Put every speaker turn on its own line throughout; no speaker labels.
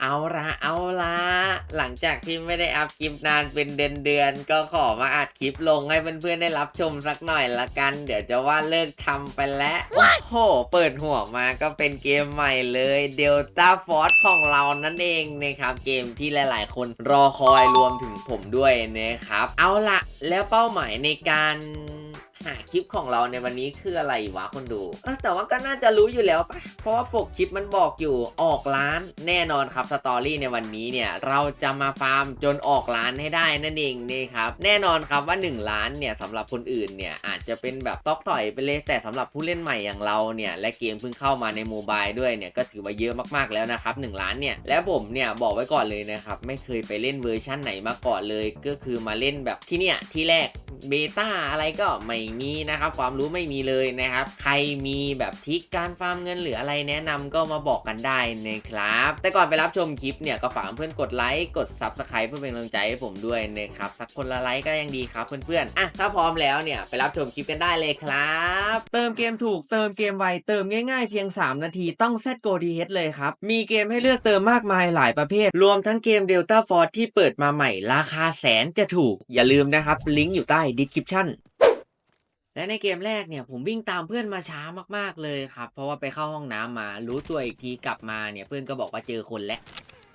เอาละหลังจากที่ไม่ได้อัพคลิปนานเป็นเดือนก็ขอมาอัดคลิปลงให้เพื่อนๆได้รับชมสักหน่อยละกันเดี๋ยวจะว่าเลิกทำไปแล้วโอ้โหเปิดหัวมาก็เป็นเกมใหม่เลย Delta Force ของเรานั่นเองนะครับเกมที่หลายๆคนรอคอยรวมถึงผมด้วยนะครับเอาละแล้วเป้าหมายในการหาคลิปของเราในวันนี้คืออะไรวะคนดูแต่ว่าก็น่าจะรู้อยู่แล้วปะเพราะว่าปกคลิปมันบอกอยู่ออกร้านแน่นอนครับสตอรี่ในวันนี้เนี่ยเราจะมาฟาร์มจนออกร้านให้ได้นั่นเองนี่ครับแน่นอนครับว่า1ล้านเนี่ยสำหรับคนอื่นเนี่ยอาจจะเป็นแบบตอกต่อยไปเลยแต่สำหรับผู้เล่นใหม่อย่างเราเนี่ยและเกมเพิ่งเข้ามาในโมบายด้วยเนี่ยก็ถือว่าเยอะมากๆแล้วนะครับ1ล้านเนี่ยและผมเนี่ยบอกไว้ก่อนเลยนะครับไม่เคยไปเล่นเวอร์ชั่นไหนมาก่อนเลยก็คือมาเล่นแบบที่เนี่ยที่แรกเบต้าอะไรก็ไม่มีนะครับความรู้ไม่มีเลยนะครับใครมีแบบทริคการฟาร์มเงินหรืออะไรแนะนำก็มาบอกกันได้นะครับแต่ก่อนไปรับชมคลิปเนี่ยก็ฝากเพื่อนกดไลค์กด Subscribe เพื่อเป็นกำลังใจให้ผมด้วยนะครับสักคนละไลค์ก็ยังดีครับเพื่อนๆถ้าพร้อมแล้วเนี่ยไปรับชมคลิปกันได้เลยครับเติมเกมถูกเติมเกมไวเติมง่ายๆเพียง3นาทีต้อง ZGoDH เลยครับมีเกมให้เลือกเติมมากมายหลายประเภทรวมทั้งเกม Delta Force ที่เปิดมาใหม่ราคาแสนจะถูกอย่าลืมนะครับลิงก์อยู่ใต้ descriptionและในเกมแรกเนี่ยผมวิ่งตามเพื่อนมาช้ามากๆเลยครับเพราะว่าไปเข้าห้องน้ำมารู้ตัวอีกทีกลับมาเนี่ยเพื่อนก็บอกว่าเจอคนแล้ว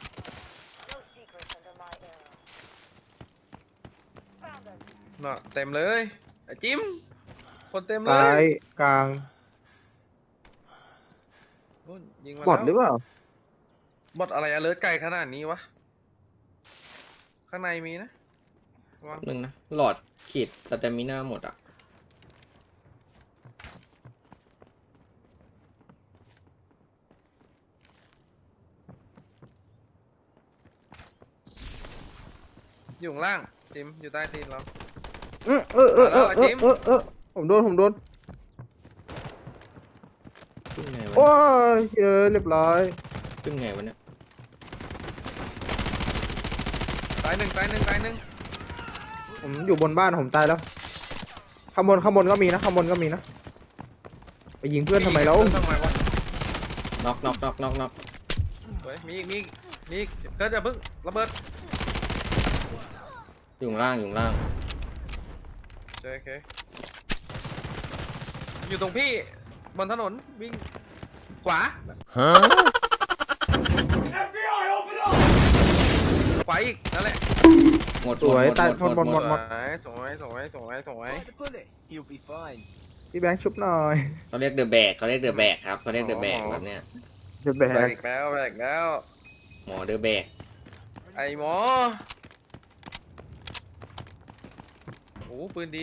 น่ะเต็มเลยไอ้จิ้มคนเต็มเล
ซ้าย
ย
กลาง
นู่นยิงมา
บอด
แล้ว
หรือเปล่า
บอดอะไรอเลิร์ไกลขนาดนี้วะข้างในมีนะวาง
นึงนะหลอดขีดสเตมิน่าหมดอ่ะ
อยู่ข้างล่างจิ้มอยู่ใต้ตีนเรา
ผมโดน
ขึ้นไงวะ
โอ้
เนี่ย
ยเรียบร้อย
ขึ้นไงวะเนี่ย
ตายหนึ่ง
ผมอยู่บนบ้านผมตายแล้วข้างบนก็มีนะไปยิงเพื่อนทำไมแล้ว
ทำไมวะ
น็อก
เฮ้ยมีอีกเกิดอย่าเพิ่งระเบิด
อยู่ข้างล่าง
โอเคอยู่ตรงพี่บนถนนวิ่งขวาขวาอีกนั่นแหละ
หมด
สวยตายหมด
สวย
พี่แบงค์ชุบหน่อย
เขาเรียกเดอะแบกครับเขาเรียกเดอะแบกแบบเนี้ย
จะแบ
แบก
ก
อีกแล้ว
หมอเดอะแบก
ไอ้หมอโอ้ปืนดี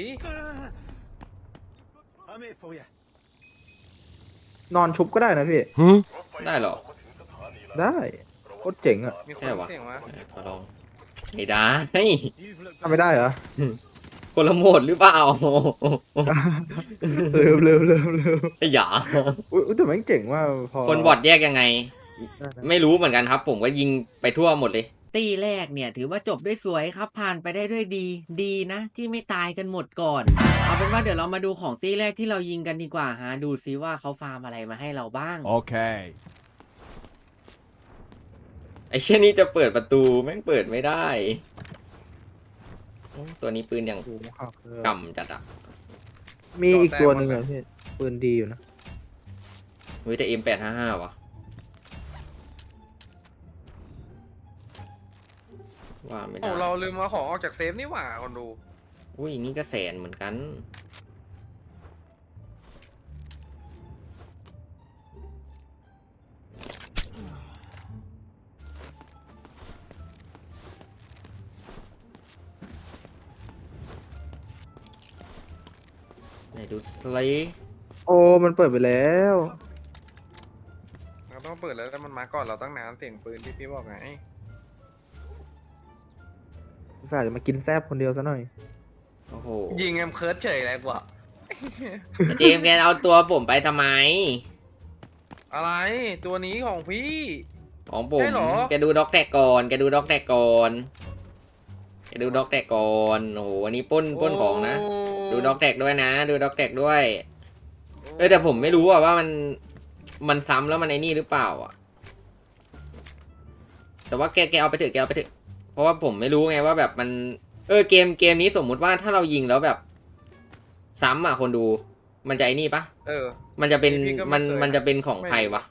นอนชุบก็ได้นะพี่
ได้เหรอ
ได้โคตรเจ๋งอ่ะ
มีค
ใช่
น
วะ
เสียงมา
ขอลองไม่ได้
ทำไม่ได้เหรอ
คนละโหมดหรือเปล่า
เร็ว
อย่า
อุ้ยแต่แม่งเจ๋งว่าพอ
คนบอดแยกยังไง
ได้นะ
ไม่รู้เหมือนกันครับ ผมก็ยิงไปทั่วหมดเลย ตีแรกเนี่ยถือว่าจบด้วยสวยครับผ่านไปได้ด้วยดีนะที่ไม่ตายกันหมดก่อนเอาเป็นว่าเดี๋ยวเรามาดูของตีแรกที่เรายิงกันดีกว่าฮะดูซิว่าเขาฟาร์มอะไรมาให้เราบ้าง
Okay.
ไอ้เช่นนี้จะเปิดประตูแม่งเปิดไม่ได้โอ้ตัวนี้ปืนอย่าง
ดูนะครับ
กำจัดอ่ะ
มีอีกตัวหนึ่งอ่ะพี่ปืนดีอยู่นะ
เฮ้ยแต่ M855 วะว่าไม่ได้
โอ้เราลืมเอาของออกจากเซฟนี่หว่าคนดู
อุ้ยนี่ก็แสนเหมือนกันไหนดูสไลด์
โอ้มันเปิดไปแล้ว
เราต้องเปิดแล้วแต่มันมาก่อนเราตั้งนานเสียงปืนที่พี่บอกไง
อุตส่าห์จะมากินแซบคนเดียวซะหน่อย
โอ้โห
ยิงแอมเคิร์ดเฉยเลยกว่า
เจมส์แกเอาตัวผมไปทำไม
อะไรตัวนี้ของพี่
ของผม
ใช่เหรอ
แกดูด็อกแท็กก่อนโอ้โหวันนี้ปล้นของนะ ดูด็อกแท็กด้วยนะดูด็อกแท็กด้วยแต่ผมไม่รู้ว่ามันซ้ำแล้วมันไอ้นี่หรือเปล่าอ่ะแต่ว่าแกเอาไปเถอะแกเอาไปเถอะเพราะว่าผมไม่รู้ไงว่าแบบมันเกมนี้สมมุติว่าถ้าเรายิงแล้วแบบซ้ำอ่ะคนดูมันจะไอ้นี่ปะ
เออ
มันจะเป็น
พี่ก็ไม่
มัน
เคย
มันจะเป็นของ
ไม่
ใครวะ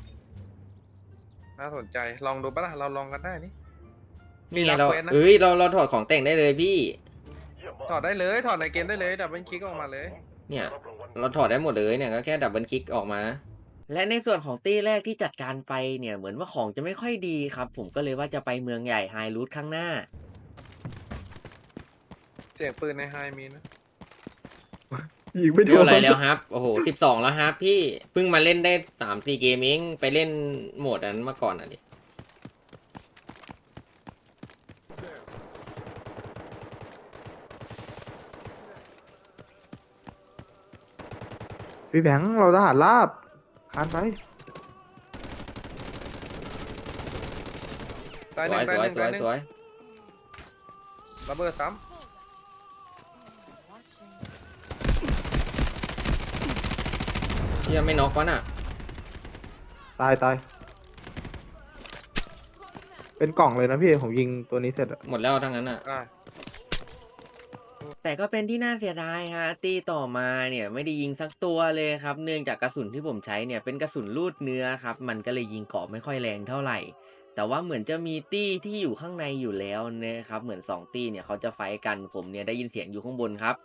น่าสนใจลองดูปะล่ะเราลองกันได้นี่
นี่ไง
รับ
เรา
ควสนะ
เราถอดของแต่งได้เลยพี่
ถอดได้เลยถอดในเกมได้เลยดับเบิลคลิกออกมาเลย
เนี่ยเราถอดได้หมดเลยเนี่ยก็แค่ดับเบิลคลิกออกมา และในส่วนของตี้แรกที่จัดการไปเนี่ยเหมือนว่าของจะไม่ค่อยดีครับ ผมก็เลยว่าจะไปเมืองใหญ่ไฮรูทข้างหน้า
เสียงปืนในไฮมีนะ
ยิงไม่โด
เรียก
น
อะไรแล้วครับ โอ้โห12แล้วครับพี่เพิ่งมาเล่นได้3-4 เกมเองไปเล่นโหมดนั้นมาก่อนอ่ะดิ
พี่แบงค์เราทหารราบคานไป
ตาย
ส
หนึ่
วย
งตาย
ส
ห
วย
นึ่ง
สว
ตาย ยหนึ่ง
สวย
ระเบิดซ้
ที่ยังไม่น็อกวะน่ะ
ตายตายเป็นกล่องเลยนะพี่ผมยิงตัวนี้เสร็จอะ
หมดแล้วทั้งนั้นอ่ะ
ำอ่ะ
แต่ก็เป็นที่น่าเสียดายฮะตีต่อมาเนี่ยไม่ได้ยิงสักตัวเลยครับเนื่องจากกระสุนที่ผมใช้เนี่ยเป็นกระสุนลูดเนื้อครับมันก็เลยยิงเกราะไม่ค่อยแรงเท่าไหร่ แต่ว่าเหมือนจะมีตี้ที่อยู่ข้างในอยู่แล้วนะครับเหมือน2ตี้เนี่ยเขาจะไฟท์กันผมเนี่ยได้ยินเสียงอยู่ข้างบนครับ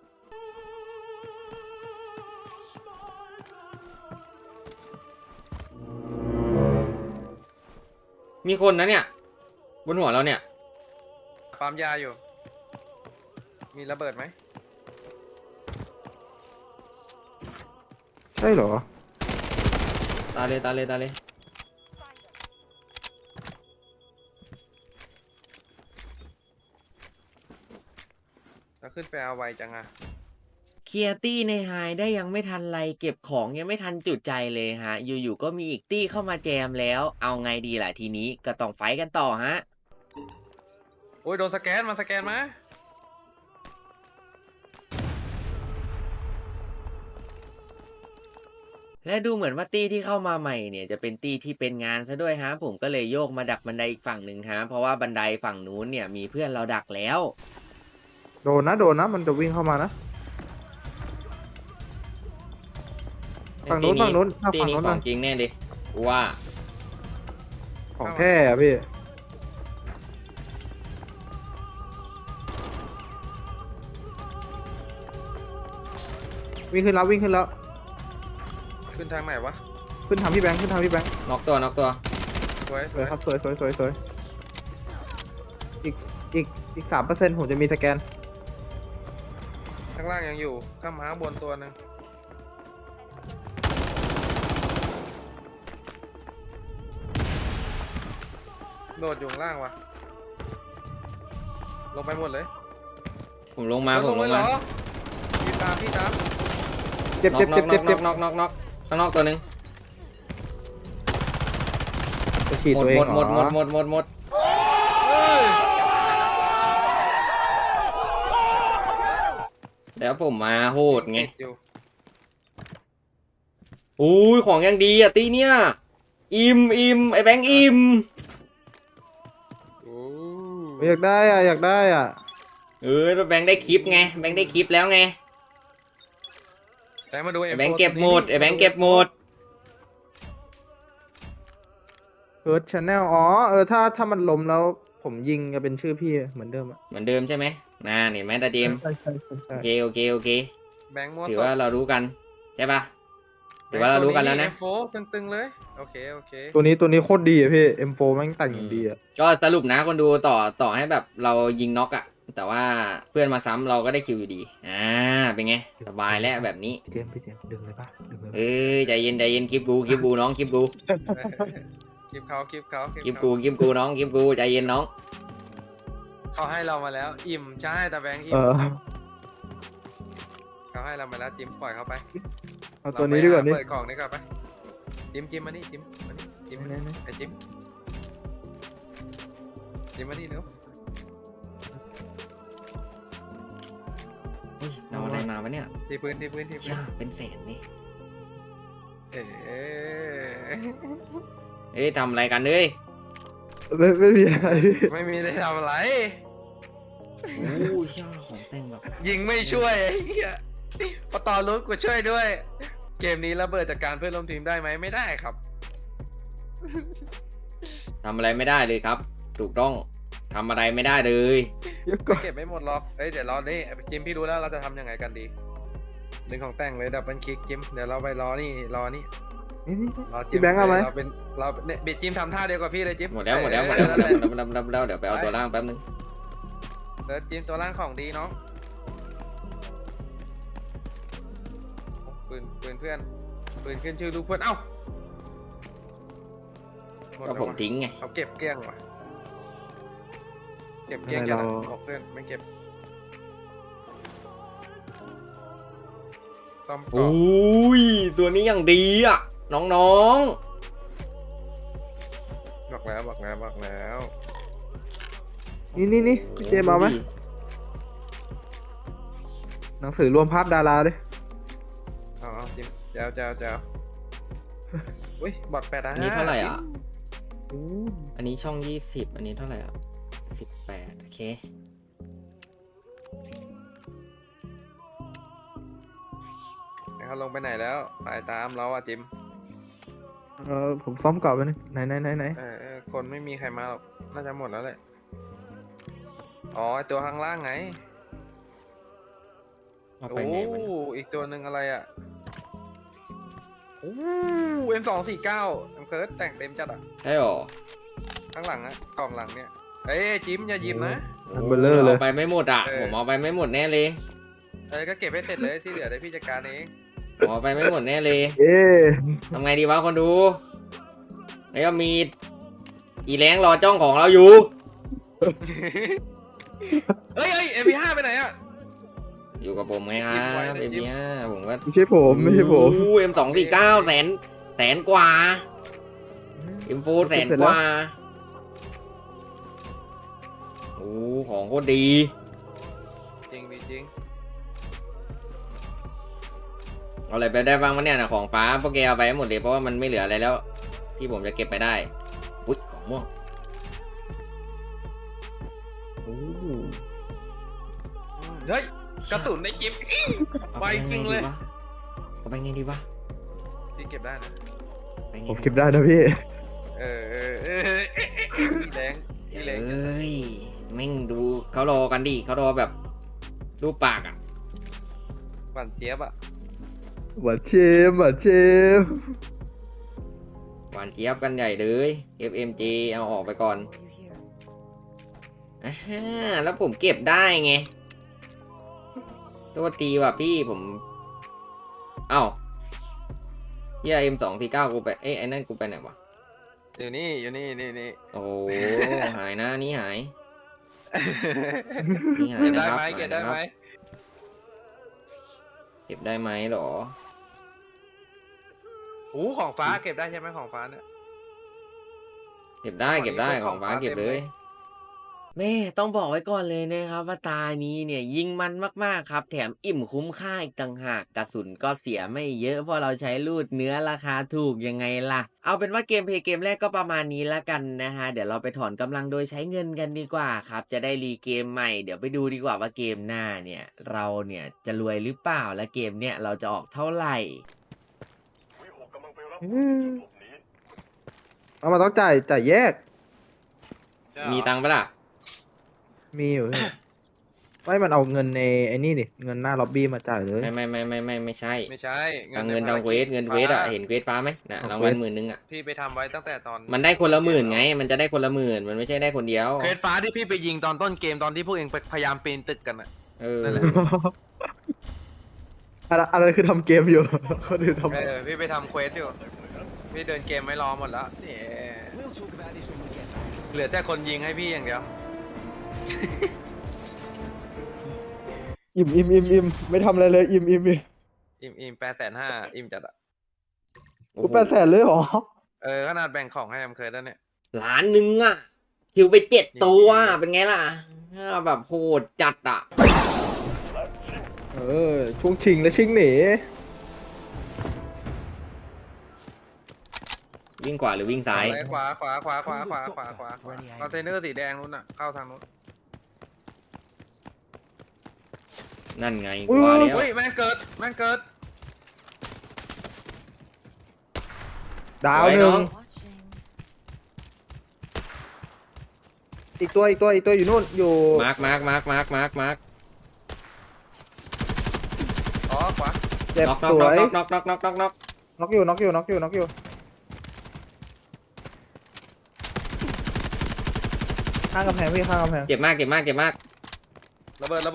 มีคนนะเนี่ยบนหัวเราเนี่ย
ปั๊มยาอยู่ มีระเบิดไหม
ใช่เหรอ
ตายเลยตายเลยตายเลย
แล้วขึ้นไปเอาไวจังอ่ะ
เคลียร์ตี้ในไฮได้ยังไม่ทันไรเก็บของยังไม่ทันจุดใจเลยฮะอยู่ๆก็มีอีกตี้เข้ามาแจมแล้วเอาไงดีล่ะทีนี้ก็ต้องไฟท์กันต่อฮะ
โอ้ยโดนสแกนมาสแกนมา
และดูเหมือนว่าตี้ที่เข้ามาใหม่เนี่ยจะเป็นตี้ที่เป็นงานซะด้วยฮะผมก็เลยโยกมาดักบันไดอีกฝั่งหนึ่งฮะเพราะว่าบันไดฝั่งนู้นเนี่ยมีเพื่อนเราดักแล้ว
โดนนะมันจะวิ่งเข้ามานะฝั่งนู้นฝั่งนู้น
ตี้
ฝั่ง
นี้
นู้น
ขอ
นะ
งจริงแน่ดิว่า
ของแท้อะพี่วิ่งขึ้นแล้ววิ่งขึ้นแล้ว
ขึ้นทางไหนวะ
ขึ้นทางพี่แบงค์ขึ้นทางพี่แบงค์
น็อกตัวน็อกตัว
สวย
สวยครับสวยสวยอีกอีก3%ผมจะมีสแกน
ข้างล่างยังอยู่ ข้ามมาข้างบนตัวหนึ่งโดดอยู่ข้างล่างวะลงไปหมดเลย
ผมลงมาผมลง
เลยเหร
มา
อพี่ตามพี่ตาม
เจ็บ
น็อ
เจ็
ก
บ
น็
เจ็
อบ ก
เจ็บ
น็อกน็อกน็อกข้างนอกตัวหนึง
จะฉีด
หม
ตั
ด
วเอง
หมด
เหร
หม
อ
ดหมดหมดหมดหมด
เฮ้ย
แล้วผมมาโหดไง
ติดอยู่
อุ้ยของยังดีอ่ะตีเนี่ยอิ่มไอ้แบงค์อิ่ม
โอ้
อยากได้อ่ะอยากได้อ่ะ
แบงค์ได้คลิปไงแบงค์ได้คลิปแล้วไง
แต่มาดู
ไอ้แบงค์เก็บหมดไอ้แบงค์เก็บหมด
เอิร์ธชาแนลอ๋อถ้ามันล้มแล้วผมยิงจะเป็นชื่อพี่เหมือนเดิมอ่ะ
เหมือนเดิมใช่ไหมน่านี่แม่ตาเจมส์
ใช่ใช่
โอเค
แบงค์มั่ว
ถือว่าเรารู้กันใช่ปะถือว่าเรารู้กันแล้วนะ
โฟตึงๆเลย โอเค
ตัวนี้โคตรดีอ่ะพี่ M4 แม่งแต่งอย่างดีอ่ะ
ก็สรุปนะคนดูต่อให้แบบเรายิงน็อกอะแต่ว่าเพื่อนมาซ้ำเราก็ได้คิวอยู่ดีเป็นไงสบายแล้วแบบนี้
พี่เจมส์ดึงเลยป่ะดึงเลย
ใจเย็นคลิปกูน้องคลิปกู
คลิปเขา
คลิปกูน้องคลิปกูใจเย็นน้อง
เขาให้เรามาแล้ว อิ่มใช่แต่แบงค์อิ่มเขาให้เรามาแล้วจิ้มปล่อยเขาไป
เอาตัวนี้ดีกว่านี่
เปิดของนี่ก่อนไปจิ้มมานี่จิ้มมานี่จิ้มมานี่ไอ้จิ้มมานี่เร็ว
เฮ้ยเราอะไรมาวะเนี่ย
ทีพื้น
ย่าเป็นแสนนี่
เอ๊ะ
ทำอะไรกันเอ้ย
ไม่มีอะไรพี่
ไม่มีได้ทำอะไร
โอ้ยช่างของแต่งแบบ
ยิงไม่ช่วยไอ้เหี้ยพอต่อลุ้นกูช่วยด้วย เกมนี้ระเบิดจากการเพื่อนร่วมทีมได้ไหมไม่ได้ครับ
ทำอะไรไม่ได้เลยครับ ถูกต้องทำอะไรไม่ได้เลย
เดี๋ยวก่อน
เก็บไม่หมดหรอกเอ้ยเดี๋ยวรอนี่จิมพี่รู้แล้วเราจะทำยังไงกันดีดึงของแต่งเลยดับเบิลคลิกจิมเดี๋ยวเราไปรอนี่รอจิ
พี่แบงค์เอาไหม
เราเป็นเราเนี่ยบิดจิมทำท่าเดียวกับพี่เลยจิม
หมดแล้วเดี๋ยวไปเอาตัวล่างแป๊บนึง
เดี๋ยวจิมตัวล่างของดีน้องปืนเพื่อนปืนขึ้นชื่อลูกเพื่อนเอ้าหด
ก็
แล้ว
ผม
ว่ะ
ทิ้งไง
เขาเก็บเกลี้ยงว่ะเก็บเกลี้ยงจัดอะบอกเพื่อนไม่เก็บซ่อม
โอ
ก่อน้
ยตัวนี้อย่างดีอ่ะ น้อง
บอกแล้ว
นี่
ๆ
พี่เจมส์เอาไหมหนังสือรวมภาพดาราเลย
เอาจิมเจ้าอุ้ยบอด8
อันนี้เท่าไหร่อ่ะ
โอ้
อันนี้ช่อง 20 อันนี้เท่าไหร่อ่ะ 18 โอเค
เขาลงไปไหนแล้วไปตามเราอะจิม
ผมซ่อมก่อนไปนึงไหน
คนไม่มีใครมาหรอกน่าจะหมดแล้วแหละอ๋อไอ้ตัวข้างล่างไง
เอาไปไหนวะเนี่ย
อีกตัวหนึ่งอะไรอะโอ้M249เคิร์ดแต่งเต็มจัดอะ
ใช่หรอ
ข้างหลังอะกล่องหลังเนี่ยเอ้ยจิมอย่ายิ้มนะ
อันเบลเลอร์เลย
เอาไปไม่หมดอ่ะ
เออ
ผมเอาไปไม่หมดแน่เลย
ก็เก็บให้เสร็จเลยที่เหลือได้พี่จัดการเอง
ผมเอาไปไม่หมดแน่เลย
เอ๊ะ
ทำไงดีวะคนดู แล้วก็มีอีแรงรอจ้องของเราอยู่
เฮ้ยMP5 ไปไหนอะ
อยู่กับผมไงครั
จิ้มไว้
บ
เลย
เอ็ม
จิ้ม
เนี่ยผมก็
ไม่ใช่ผม
M249 แสนกว่า M4 แสนกว่า โอ้ของโคตรดี
จริงดิจริง
เอาอะไรไปได้บ้างวะเนี่ยนะของฟ้าพวกแกเอาไปให้หมดเลยเพราะว่ามันไม่เหลืออะไรแล้ว ที่ผมจะเก็บไปได้อุ๊ยของม่วง
โอ้
เฮ้ยกระสุนในจิม
เอา
ไวจริงเลย
เอาไปไงดีวะ
พี่เก็บได้นะ
ไปไง
ผมเก็บได้นะพี่
พี่แรง
เอ้ยแม่งดูเขารอกันดิเขารอแบบรูปปากอ่ะ
หวานเจี๊ยบอะ
หวานเชม
หวานเจี๊ยบกันใหญ่เลย FMG เอาออกไปก่อนอ่าฮะแล้วผมเก็บได้ไงตัวตีว่ะพี่ผมเอ้าเฮีย M249 กูไปไอ้นั่นกูไปไหนวะ
อยู่นี่นี่
โอ้โหหายนะนี่หายนี่หาย
เก็บ
นะ
ได้
ครับ
ไหม
หาย
เก็บ
นะ
ได้
ครั
ไหม
บเก็บได้ไหมหรอ
ของฟ้าเก็บได้ใช่ไหมของฟ้าเนี่ย
เก็บได้ของฟ้าเก็บเลยแม่ต้องบอกไว้ก่อนเลยนะครับว่าตานี้เนี่ยยิงมันมากๆครับแถมอิ่มคุ้มค่าอีกต่างหากกระสุนก็เสียไม่เยอะเพราะเราใช้ลูดเนื้อราคาถูกยังไงล่ะเอาเป็นว่าเกมเพลย์เกมแรกก็ประมาณนี้ละกันนะฮะเดี๋ยวเราไปถอนกำลังโดยใช้เงินกันดีกว่าครับจะได้รีเกมใหม่เดี๋ยวไปดูดีกว่าว่าเกมหน้าเนี่ยเราเนี่ยจะรวยหรือเปล่าและเกมเนี่ยเราจะออกเท่าไหร่
เอามาต้องจ่ายแยก
มีตังค์ปะล่ะ
มีอยู่พี่ไม่มันเอาเงินในไอ้นี่ดิเงินหน้าล็อบบี้มาจ่ายเลย
ไม่ใช่
ไม่ใช่
ตังเงินทางเวทเงินเวทอ่ะเห็นเวทฟ้าไหมนะรางวัล10,000อ่ะ
พี่ไปทำไว้ตั้งแต่ตอน
มันได้คนละ10,000ไง มันจะได้คนละ10,000มันไม่ใช่ได้คนเดียว
เควสฟ้าที่พี่ไปยิงตอนต้นเกมตอนที่พวกเองพยายามปีนตึกกันอะ
เออ
นั่นแหละ
อะไรคือทำเกมอยู่ คนอื่นทำ
พี่ไปทำเควสอยู่พี่เดินเกมไม่รอหมดแล้วเหลือแต่คนยิงให้พี่อย่างเดียว
อิ่มไม่ทำอะไรเลยอิ่ม
อิ่ม850,000อิ่มจัดอะ
กู800,000เลยเหรอ
ขนาดแบ่งของให้เคยแล้วเนี่ย
1,000,000อ่ะคิวไป7ตัวเป็นไงล่ะแบบโหดจัดอ่ะ
ช่วงชิงและชิงหนี
วิ่งขวาหรือวิ่งซ้าย
ขวาคอนเทนเนอร์สีแดงนู้นน่ะเข้าทางนู้น
นั่นไง
อุ้ย
ว่าแล้ว
เฮ้ยแม่งเกิด
ดาว
ไว้
หนึ่
น้
ง
อง
อีกตัวอยู่นู่นอยู่
มาร์ค
อ๋อขวา
เจ็บ
น็อก
สวย
น็อก
น็อกอยู่ข้างกำแพงพี่ข้างกำแพง
เจ็บมาก
ระเบิดอีก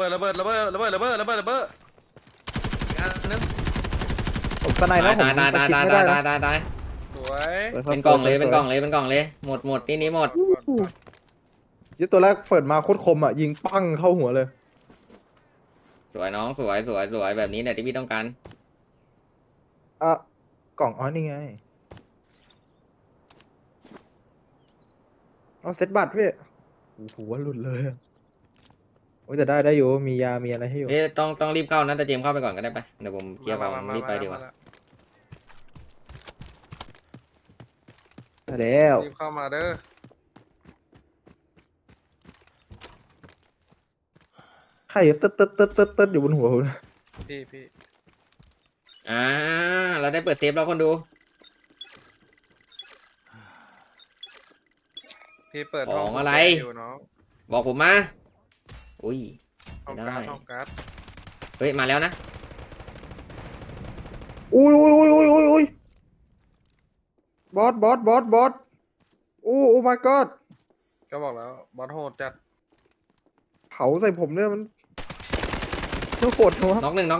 อันนึง
ผมสไนด์แล้วผม
ตาย
สกิปไม่ได้นะ
สวย
สวยครับ
เป็นกล่องเลย
สวย
เป็นกล่องเลยหมดที่นี้หมด
ยี่ตัวแรกเปิดมาโคตรคมอ่ะยิงปั้งเข้าหัวเลย
สวยน้องสวยแบบนี้เนี่ยที่พี่ต้องการ
อ่ะกล่องอ๋อนี่ไงเอาเซตบัตรพี่โอ้โหว่าหลุดเลยอะโอ้ยแต่ได้อยู่มียามีอะไรให้อยู่
เอ๊ะต้องรีบเข้านะแต่เจมส์เข้าไปก่อนก็ได้ไปเดี๋ยวผมเคลียร์ของรีบไปดีกว่า
ไปแล้ว
รีบเข้ามาเด้อ
ใครตึ๊ดอยู่บนหัวผม
พี่
เราได้เปิดเซฟแล้วคนดู
พี่เปิด
ของอะไร
อยู่น้อง
บอกผมมาอุ้ย
ห้อง
ได้
การ์ด
เฮ้ยมาแล้วนะ
อุ้ยบอสโอ้ my god
ก็บอกแล้วบอสโหดจัด
เผาใส่ผมเนี่ยมันโหดหัว
น็อกหนึ่ง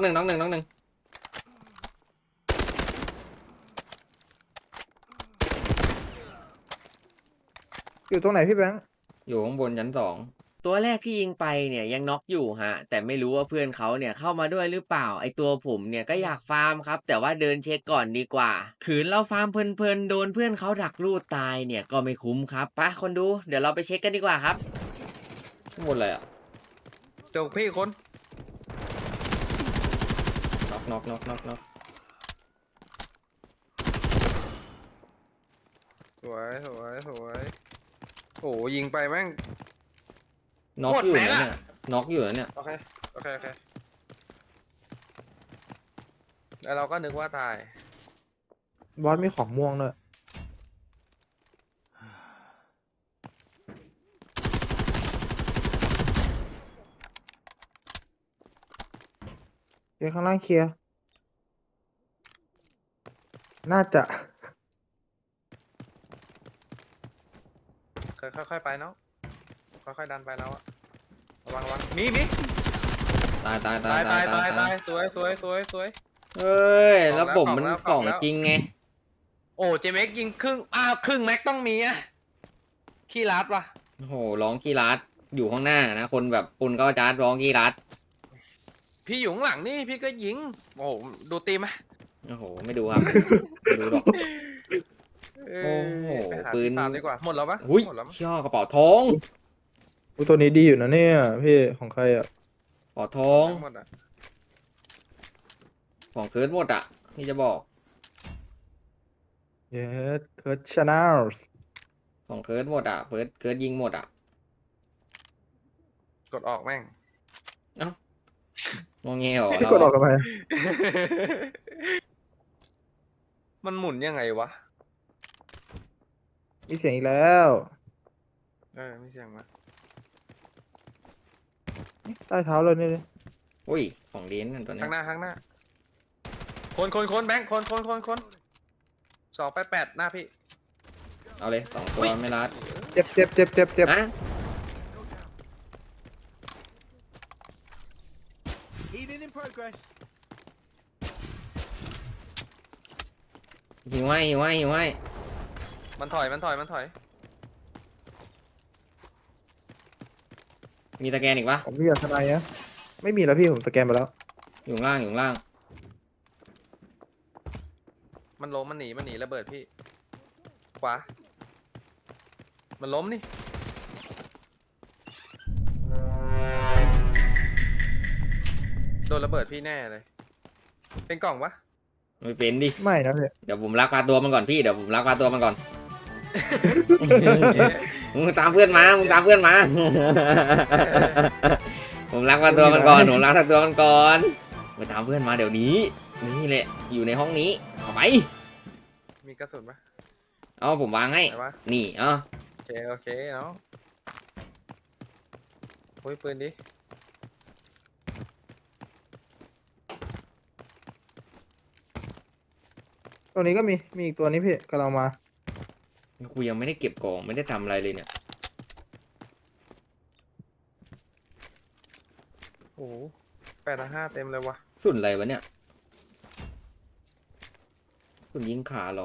อยู่ตรงไหนพี่แบงค์
อยู่ข้างบนชั้น2ตัวแรกที่ยิงไปเนี่ยยังน็อกอยู่ฮะแต่ไม่รู้ว่าเพื่อนเขาเนี่ยเข้ามาด้วยหรือเปล่าไอตัวผมเนี่ยก็อยากฟาร์มครับแต่ว่าเดินเช็คก่อนดีกว่าขืนเราฟาร์มเพลินๆโดนเพื่อนเขาดักลูดตายเนี่ยก็ไม่คุ้มครับไปคนดูเดี๋ยวเราไปเช็คกันดีกว่าครับข้างบนเลยอ่ะ
จงพี่คน
น็อก
สวยโอ้ยิงไปแม่ง
น็อกอยู่
หมดแม็ก
นะ
อะ
เนี่ยน็อกอยู่นะเนี่ย
โอเคแล้วเราก็นึกว่าตาย
บอสมีของม่วงด้วยเดี๋ยวข้างล่างเคลียร์น่าจะ
ค่อยๆไปเนาะค่อยๆดันไปแล้วอะระวังมี
ตาย
ตายสวย
เอ้ยแล้วผมมัน
ก
ก
ล่
ล่
อ
อง ง
แล้ว
จริงไง
โอ้เจเม็กยิงครึ่งแม็กต้องมีอะขี้รัดว่ะ
โอ้โหร้องกีรัดอยู่ข้างหน้านะคนแบบปุ่นก็จาร์ดร้องกีรัด
พี่อยู่ข้างหลังนี่พี่ก็ยิงโอ้โหดูตีมไหม
โอ้โหไม่ดูครับไม่ดูหรอก โอ้โห
ไปา
ปืน
ที่ฟาร์มดีกว่าหมดแล้วปะ
อุ้ย
หมดแล้วมั้ง
ช่อกระเป๋าทอง
อุ๊ยตัวนี้ดีอยู่นะเนี่ยพี่ของใครอ่ะ
กระเป๋าทอง
หมดอะ
ของเคิร์ดหมดอ่ะนี่จะบอก
เยสเคิร์ดชาแนล
ของเคิร์ดหมดอ่ะเคิร์ดยิงหมดอ่ะ
กดออกแม่ง
งงเงี้ยเหรอ
พี่กดออกกันไป
มันหมุนยังไงวะ
มีเสียงอีกแล้ว
ไม่เสียงมา
ใต้เท้าเลยนี่เลย
อุ้ยของดีนั่นตัวเนี้
ข้าย งหน้าคนแบงค์คน288หน้าพี่
เอาเลย2ตัวไม่รัด
เจ็บ
ฮะ
Healing in progress.
หิวให้
มันถอย
มีตะแกนอีกปะ
ผมมีอย่างทนายนะไม่มีแล้วพี่ผมสแกนไปแล้ว
อยู่ข้างล่าง
มันล้มมันหนีระเบิดพี่ขวามันล้มนี่โดนระเบิดพี่แน่เลยเป็นกล่องปะ
ไม่เป็นดิ
ไม่นะพี่
เดี๋ยวผมลักพาตัวมันก่อนพี่เดี๋ยวผมลักพาตัวมันก่อน มึงตามเพื่อนมามึงตามเพื่อนมา ผมลักพาตัวมันก่อนผมลักพาตัวมันก่อนไปตามเพื่อนมาเดี๋ยวนี้นี่แหละอยู่ในห้องนี้เอาไป
มีกระสุนปะ
เอาผมวางให้
ไหนวะ
นี่เอา
โอเคเนาะโอ้ยปืนดิ
ตัวนี้ก็มีอีกตัวนี้พี่กำลังมา
กูยังไม่ได้เก็บกล่องไม่ได้ทำอะไรเลยเนี่ย
โอ้โห8-5เต็มเลยวะ
สุนอะไรวะเนี่ยสุนยิงขาเหรอ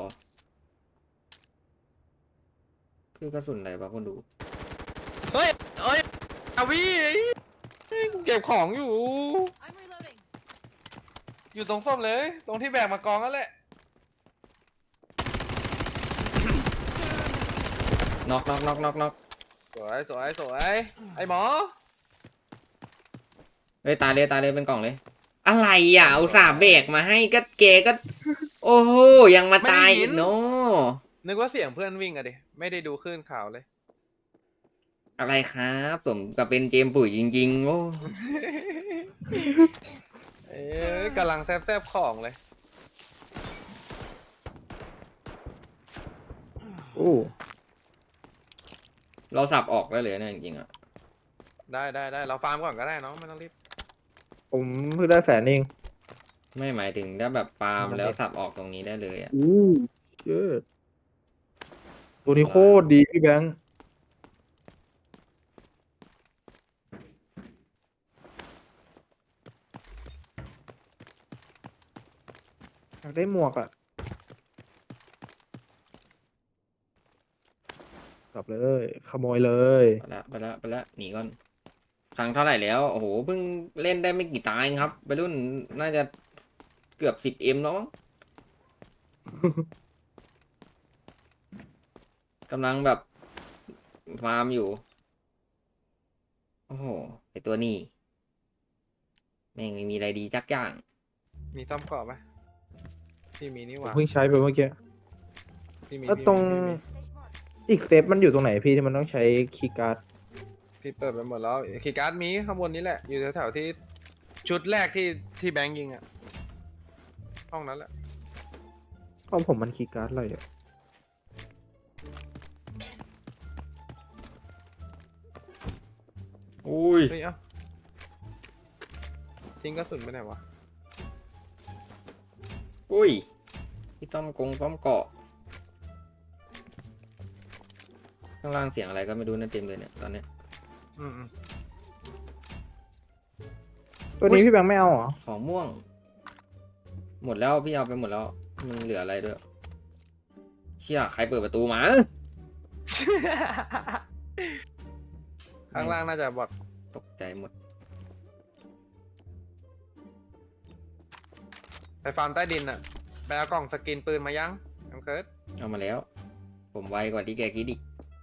คือกระสุนอะไรวะคนดู
เฮ้ยอาวีเก็บของอยู่
I'm reloading.
อยู่ตรงส้มเลย ตรงที่แบกมากองนั่นแหละ
น็อกน็อกน็อกน็อกน็อก
สวยไอหมอ
เฮ้ยตายเลยตายเลยเป็นกล่องเลย อะไรอ่ะอุตส่าห์เบรกมาให้ก็เกก็ โอ้โหยังมาตายอีกเนาะ
นึกว่าเสียงเพื่อนวิ่งอะดิ ไม่ได้ดูคลื่นข่าวเลย
อะไรครับสมกับเป็นเจมส์ปุ๋ยจริงๆ โอ้
เอ๊ะกำลังแซบของเลย
โอ้
เราสับออกได้เลยเนี่ยจริงๆอ่ะ
ได้เราฟาร์มก่อนก็ได้เนาะไม่ต้องรีบ
ผมเพิ่งได้100,000เอง
ไม่หมายถึงถ้าแบบฟาร์มแล้วสับออกตรงนี้ได้เลยอ่ะ
อู้เชิดตัวนี้โคตรดีพี่แบงค์อยากได้หมวกอ่ะกลับเลยขโมยเลย
ไปละหนีก่อนครั้งเท่าไหร่แล้วโอ้โหเพิ่งเล่นได้ไม่กี่ตาเองครับไปรุ่นน่าจะเกือบ10M แล้วมั้ง กำลังแบบฟาร์มอยู่ โอ้โหไอตัวนี้แม่งไม่มีอะไรดีจักอย่าง
มีต้อมกรอบไหมที่มีนี่ห
ผม
ว่า
เพิ่งใช้ไปเมื่อกี้
ที่มี
แล้วตรง อีกเซฟมันอยู่ตรงไหนพี่ที่มันต้องใช้คีย์การ์ด
พี่เปิดไปหมดแล้วคีย์การ์ดมีข้างบนนี้แหละ อยู่แถวๆที่ชุดแรกที่แบงค์ยิงอะห้องนั้นแหละ
ของผมมันคีย์การ์ดอะไรอ่ะ
อุ้ย
เฮ้ยเอ้าทิ้งกระสุนไปไหนวะ
อุ้ยพี่ซ่อมเกาะข้างล่างเสียงอะไรก็ไม่รู้นะเต็มเลยเนี่ยตอนเนี้ย
อืม
ตัวนี้พี่แบงค์ไม่เอาเหรอ
ของม่วง หมดแล้วพี่เอาไปหมดแล้วมันเหลืออะไรด้วยเชี่ยใครเปิดประตูมา
ข้างล่างน่าจะบอด
ตกใจหมด
ไปฟาร์มใต้ดินอะไปเอากล่องสกินปืนมายังน้ำเคิร์ด
เอามาแล้ว ผมไวกว่าที่แกคิดอีก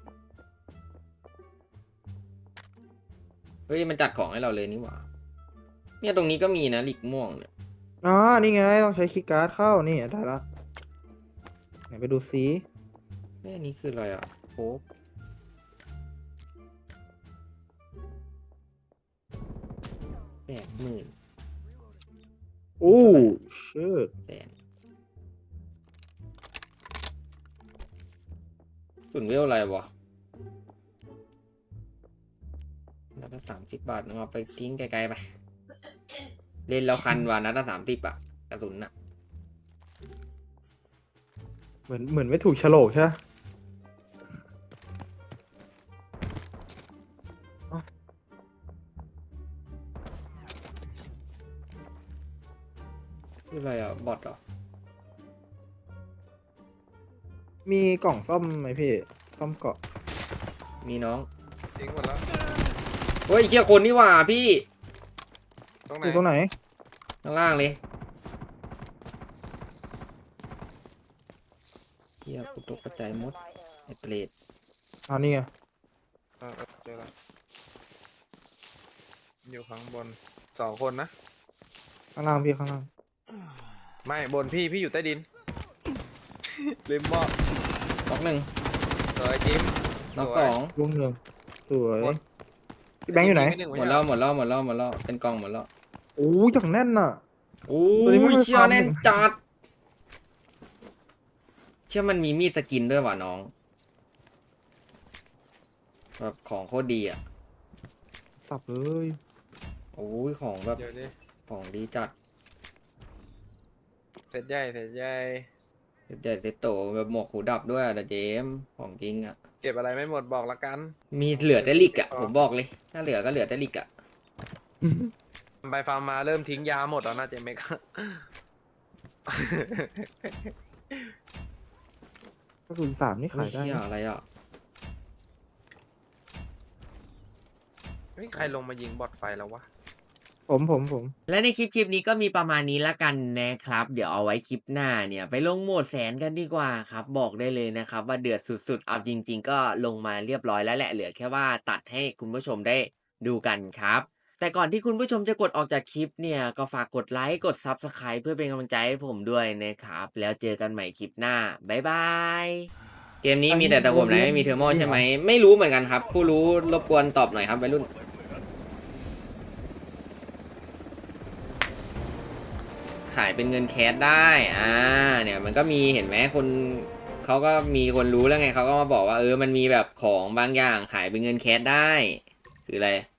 เฮ้ยมันจัดของให้เราเลยนี่หว่าเนี่ยตรงนี้ก็มีนะหลิกม่วงเนี่ย
อ๋อ นี่ไงต้องใช้คีย์การ์ดเข้า นี่ได้ละไหนไปดูซิ
เฮ้ยอันนี้คืออะไรอ่ะโค้ก80,000
โอ้เชิด
แสนส่วนเวลอะไรวะนัดละ30 บาทมึงเอาไปทิ้งไกลๆไป เล่นแล้วคันว่านัดละ30อ่ะกระสุนอ่ะ
เหมือนไม่ถูกโฉลกใช่ไหม
คืออะไรอ่ะ บอทเหรอ
มีกล่องซ่อมไหมพี่ ซ่อมเกาะ
มีน้อง
ทิ้งหมดแล้ว
เฮ้ยเคียคนนี่หว่าพี่
ตรงไหน
อยู่ตรงไหน
ข้างล่างเลยเฮียกูตกกระจายหมดไอเปรต
อ๋อนี่ไง
เจอแล้วอยู่ข้างบน2 คนนะ
ข้างล่างพี่ข้างล่าง
ไม่บนพี่อยู่ใต้ดิน ลืมมอบ
น็อกหนึ่ง
สวยจิม
น็อก
สวย
สอง
ลุงหนึ่งสวย
หมด
พี่แบงค์อยู่ไหน
จิม
หมดแล้วหมดแล้วหมดแล้วหมดแล้วเป็นกล่องหมดแล้ว
โอ้ยอย่างแน่นน่ะ
โอ้
ตัวนี้ไม่
ย
ค่อย
เชี่ย
ฟัง
แน่นจัดเชื่อมันมีมีดสกินด้วยว่ะน้องแบบของโคตรดีอ่ะ
สับเลย
โอ้ยของแบบ
เดี๋ยวดิ
ของดีจัด
เสร็จใหญ่เสร็จใหญ่
เด็ดเซตโตแบบหมวกหูดับด้วยอะแต่เจมส์ของจริงอ่ะ
เก็บอะไรไม่หมดบอกละกัน
มีเหลือแต่ลิกอ่ะผมบอกเลย ถ้าเหลือก็เหลือแต่ลิกอ่ะ
ไปฟาร์มมาเริ่มทิ้งยาหมดแล้วนะเจเมก
กระสุนสามนี่
เฮ้
ขาย ยได้
เชี่ย
นะ
อะไรอ่ะ
เฮ้ยใครลงมายิงบอดไฟแล้ววะ
ผม
และในคลิปนี้ก็มีประมาณนี้ละกันนะครับ เดี๋ยวเอาไว้คลิปหน้าเนี่ยไปลงโหมดแสนกันดีกว่าครับบอกได้เลยนะครับว่าเดือดสุดๆเอาจริงๆก็ลงมาเรียบร้อยแล้วแหละเหลือแค่ว่าตัดให้คุณผู้ชมได้ดูกันครับแต่ก่อนที่คุณผู้ชมจะกดออกจากคลิปเนี่ยก็ฝากกดไลค์กด Subscribe เพื่อเป็นกำลังใจให้ผมด้วยนะครับแล้วเจอกันใหม่คลิปหน้าบ๊ายบายเกมนี้มีแต่ตะกวมไหนไม่มีเทอร์โมใช่ไหมไม่รู้เหมือนกันครับผู้รู้รบกวนตอบหน่อยครับวัยรุ่น ขายเป็นเงินแคสได้เนี่ยมันก็มีเห็นไหมคนเขาก็มีคนรู้แล้วไงเขาก็มาบอกว่ามันมีแบบของบางอย่างขายเป็นเงินแคสได้คืออะไร